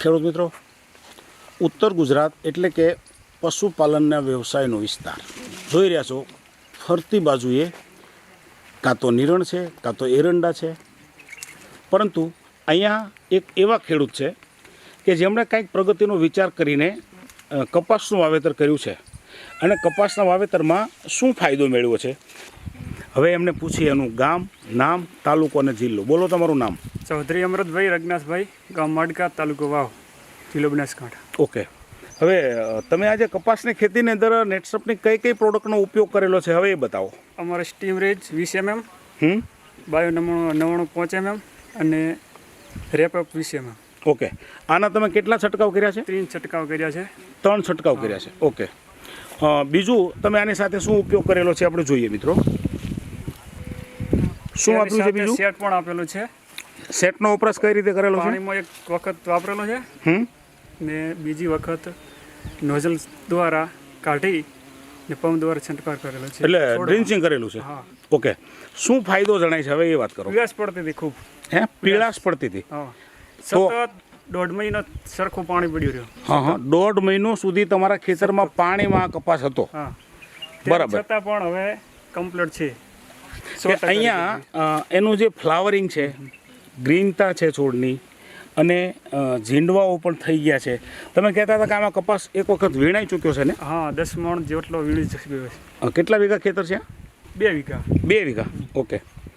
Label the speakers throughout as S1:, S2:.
S1: ખેડૂત મિત્રો, ઉત્તર ગુજરાત એટલે કે પશુપાલનના વ્યવસાયનો વિસ્તાર જોઈ રહ્યા છો. ફરતી બાજુએ કાં તો નિરણ છે, કાં તો એરંડા છે, પરંતુ અહીંયા એક એવા ખેડૂત છે કે જેમણે કંઈક પ્રગતિનો વિચાર કરીને કપાસનું વાવેતર કર્યું છે અને કપાસના વાવેતરમાં શું ફાયદો મેળવ્યો છે. હવે એમને પૂછીએ એનું ગામ, નામ, તાલુકો અને જિલ્લો. બોલો તમારું નામ.
S2: ચૌધરી અમૃતભાઈ રઘનાથભાઈ, ગામ માડકા, તાલુકો વાવ, જિલ્લો બનાસકાંઠા.
S1: ઓકે. હવે તમે આજે કપાસની ખેતીની અંદર નેટસપની કઈ કઈ પ્રોડક્ટનો ઉપયોગ કરેલો છે હવે એ બતાવો.
S2: અમારે સ્ટીમરેજ 20 mm, બાયો 99.5 mm અને રેપઅપ 20 mm.
S1: ઓકે. આના તમે કેટલા છંટકાવ કર્યા છે?
S2: 3 છંટકાવ કર્યા છે.
S1: 3 છંટકાવ કર્યા છે. ઓકે. બીજું તમે આની સાથે શું ઉપયોગ કરેલો છે આપણે જોઈએ મિત્રો. શું આપ્યું છે બીજું?
S2: સેટ પણ આપેલું છે.
S1: સેટનો વપરાશ કઈ રીતે કરેલો છે?
S2: પાણીમાં એક વખત વાપરેલો છે ને બીજી વખત નોઝલ દ્વારા કાઢી ને પંપ દ્વારા છંટકાવ કરેલો છે.
S1: એટલે ડ્રિન્ચિંગ કરેલું છે.
S2: હા.
S1: ઓકે. શું ફાયદો જણાય છે હવે એ વાત કરો.
S2: પીળાશ પડતી હતી ખૂબ.
S1: હે, પીળાશ પડતી હતી?
S2: હા. સતત 1.5 મહિનો સરખું પાણી પડ્યું રહ્યું.
S1: હા. 1.5 મહિનો સુધી તમારા ખેતરમાં પાણીમાં કપાસ હતો?
S2: હા.
S1: બરાબર.
S2: છતાં પણ હવે કમ્પ્લીટ છે.
S1: કે અહીંયા એનું જે ફ્લાવરિંગ છે, ગ્રીનતા છે છોડની, અને ઝીંડવાઓ પણ થઈ ગયા છે. તમે કહેતા હતા કે આમાં કપાસ એક વખત વીણાઈ ચૂક્યો છે ને?
S2: હા, 10 મણ જેટલો વીણી ચૂક્યો છે.
S1: કેટલા વીઘા ખેતર છે?
S2: 2 વીઘા.
S1: 2 વીઘા. ઓકે.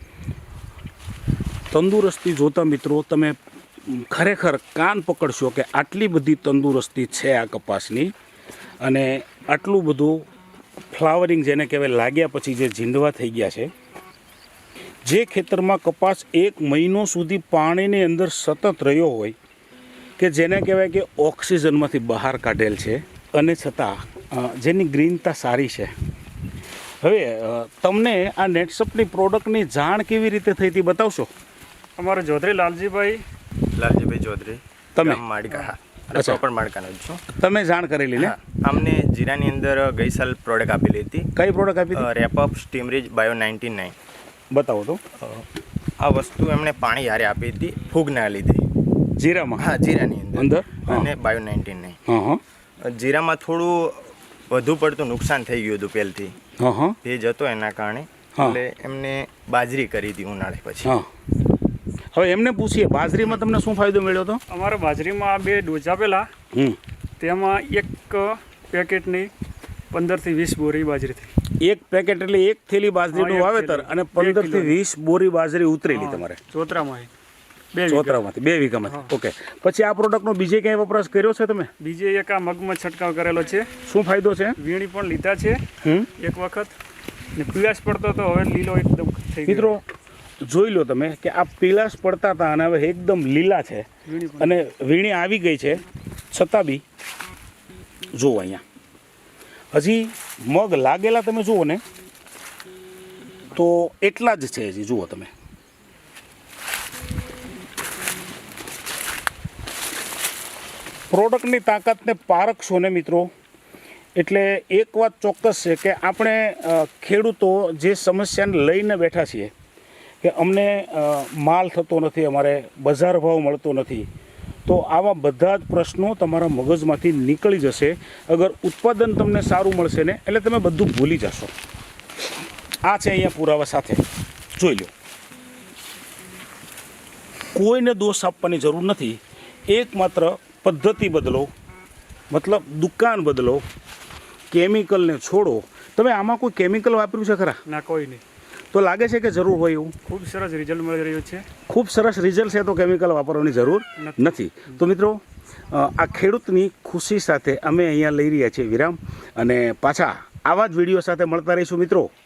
S1: તંદુરસ્તી જોતા મિત્રો તમે ખરેખર કાન પકડશો કે આટલી બધી તંદુરસ્તી છે આ કપાસની, અને આટલું બધું ફ્લાવરિંગ જેને કહેવાય લાગ્યા પછી જે ઝીંડવા થઈ ગયા છે. જે ખેતરમાં કપાસ 1 મહિનો સુધી પાણીની અંદર સતત રહ્યો હોય, કે જેને કહેવાય કે ઓક્સિજનમાંથી બહાર કાઢેલ છે, અને છતાં જેની ગ્રીનતા સારી છે. હવે તમને આ નેટસપની પ્રોડક્ટની જાણ કેવી રીતે થઈ હતી બતાવશો?
S2: અમારો ચૌધરી લાલજીભાઈ
S3: ચૌધરી,
S1: તમે
S3: માડકા.
S1: અચ્છા.
S3: પ્રોપર માડકાનો જ છું.
S1: તમે જાણ કરેલી ને?
S3: અમને જીરાની અંદર ગઈ સાલ પ્રોડક્ટ આપેલી હતી.
S1: કઈ પ્રોડક્ટ આપી હતી?
S3: રેપઅપ સ્ટીમરેજ બાયો 99.
S1: બતાવો તો.
S3: આ વસ્તુ એમણે પાણી હારે આપી હતી ફૂગના લીધે.
S1: જીરામાં?
S3: હા, જીરાની અંદર.
S1: હા.
S3: અને બાયો 99.
S1: હા.
S3: જીરામાં થોડું વધુ પડતું નુકસાન થઈ ગયું હતું પહેલથી.
S1: હા.
S3: ભેજ હતો એના કારણે.
S1: હા.
S3: એટલે એમને બાજરી કરી હતી ઉનાળે પછી.
S1: હા. હવે એમને પૂછીએ, બાજરીમાં તમને શું ફાયદો મળ્યો હતો?
S2: અમારા બાજરીમાં 2 ડોઝ આપેલા. તેમાં એક પેકેટની 15 થી 20 બોરી બાજરી થઈ. એક
S1: પેકેટ એટલે એક થેલી બાજરીનું વાવેતર, અને 15 થી 20 બોરી બાજરી ઉતરેલી તમારે
S2: ચોતરામાંથી
S1: 2 વીઘામાંથી. ઓકે. પછી આ પ્રોડક્ટનો બીજે ક્યાંય વપરાશ કર્યો છે તમે?
S2: બીજે એક આ મગમાં છંટકાવ કરેલો છે.
S1: શું ફાયદો છે?
S2: વીણી પણ લીધા છે એક વખત, ને પીળાશ પડતો તો હવે લીલો એકદમ થઈ ગયો.
S1: મિત્રો જોઈ લો તમે કે આ પીળાશ પડતા હતા અને હવે એકદમ લીલા છે, અને વીણી આવી ગઈ છે, છતાં બી જુઓ અહીંયા હજી મગ લાગેલા તમે જુઓ ને તો એટલા જ છે હજી. જુઓ તમે. પ્રોડક્ટની તાકાતને પારખશો ને મિત્રો, એટલે એક વાત ચોક્કસ છે કે આપણે ખેડૂતો જે સમસ્યાને લઈને બેઠા છીએ કે અમને માલ થતો નથી, અમારે બજાર ભાવ મળતો નથી, તો આવા બધા જ પ્રશ્નો તમારા મગજમાંથી નીકળી જશે અગર ઉત્પાદન તમને સારું મળશે ને, એટલે તમે બધું ભૂલી જશો. આ છે અહીંયા પુરાવા સાથે. જોઈ લો. કોઈને દોષ આપવાની જરૂર નથી. એકમાત્ર પદ્ધતિ બદલો, મતલબ દુકાન બદલો, કેમિકલને છોડો. તમે આમાં કોઈ કેમિકલ વાપર્યું છે ખરા?
S2: ના, કોઈ નહીં.
S1: તો લાગે છે કે જરૂર હોય એવું?
S2: ખૂબ સરસ રિઝલ્ટ મળી રહ્યું છે. ખૂબ
S1: સરસ રિઝલ્ટ છે, તો કેમિકલ વાપરવાની જરૂર નથી. તો મિત્રો આ ખેડૂતની ખુશી સાથે અમે અહીંયા લઈ રહ્યા છીએ વિરામ, અને પાછા આવા જ વિડીયો સાથે મળતા રહીશું મિત્રો.